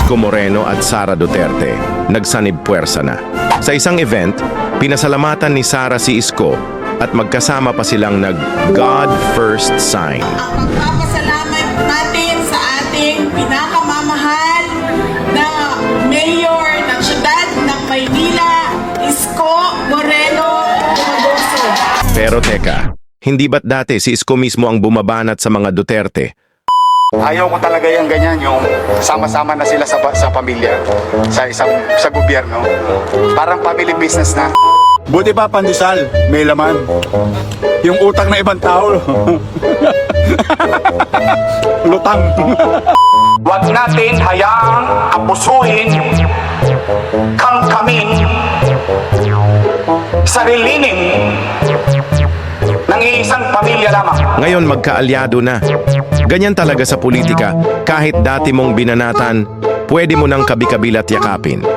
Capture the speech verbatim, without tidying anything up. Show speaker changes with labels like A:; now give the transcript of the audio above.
A: Isko Moreno at Sara Duterte nagsanib puwersa na. Sa isang event, pinasalamatan ni Sara si Isko at magkasama pa silang nag-God First sign.
B: Ang pagpapasalamat natin sa ating pinakamamahal na mayor ng siyudad ng Maynila, Isko Moreno Tumagoso.
A: Pero teka, hindi ba't dati si Isko mismo ang bumabanat sa mga Duterte?
C: Ayaw ko talaga yung ganyan, yung sama-sama na sila sa, sa pamilya, sa isang sa gobyerno. Parang family business na.
D: Buti pa pandesal, may laman. Yung utang na ibang tao. Lutang.
C: Huwag natin hayaang apusuhin, kangkamin, sarilinin ng iisang pamilya lamang.
A: Ngayon magkaalyado na. Ganyan talaga sa politika, kahit dati mong binanatan, pwede mo nang kabi-kabilat yakapin.